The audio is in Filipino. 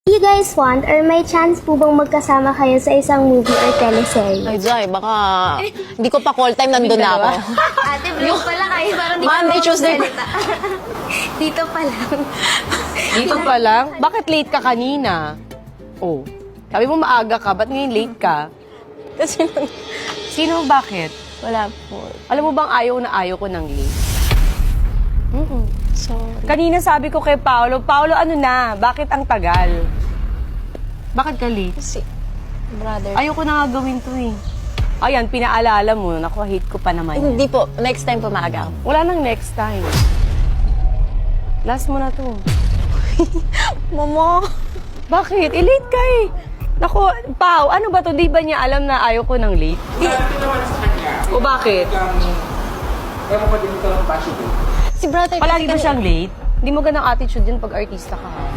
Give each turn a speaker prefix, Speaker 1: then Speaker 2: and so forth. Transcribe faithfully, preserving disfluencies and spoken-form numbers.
Speaker 1: You guys want or may chance po bang magkasama kayo sa isang movie or teleserye?
Speaker 2: Ay, Jai, baka hindi ko pa call time, nandun na ako.
Speaker 1: Ate, vlog pala kayo. Parang di
Speaker 2: Monday,
Speaker 1: ka
Speaker 2: Tuesday.
Speaker 1: magsalita. Dito pa lang.
Speaker 3: Dito pa lang? Bakit late ka kanina? Oh, sabi mo maaga ka, ba't ngayon late ka?
Speaker 2: Kasi
Speaker 3: Sino bakit?
Speaker 2: wala po.
Speaker 3: Alam mo bang ayaw na ayaw ko ng late?
Speaker 2: Mm-mm. Sorry.
Speaker 3: Kanina sabi ko kay Paolo, Paolo ano na, bakit ang tagal? Bakit ka late?
Speaker 2: Kasi, brother.
Speaker 3: Ayoko na nga gawin to eh. Ayan, pinaalala mo, naku, hate ko pa naman yan.
Speaker 2: Hindi po. Next time po maaga ako.
Speaker 3: Wala nang next time. Last mo na to.
Speaker 2: Momo.
Speaker 3: Bakit? Eh, late ka eh. Naku, Pao, ano ba to? Di ba niya alam na ayaw ko ng late? O bakit?
Speaker 4: Ewan ko din ito ng passion.
Speaker 2: Si brother.
Speaker 3: Palagi
Speaker 2: kasi
Speaker 3: ba siyang late? Hindi mo ganang attitude yun pag artista ka ha?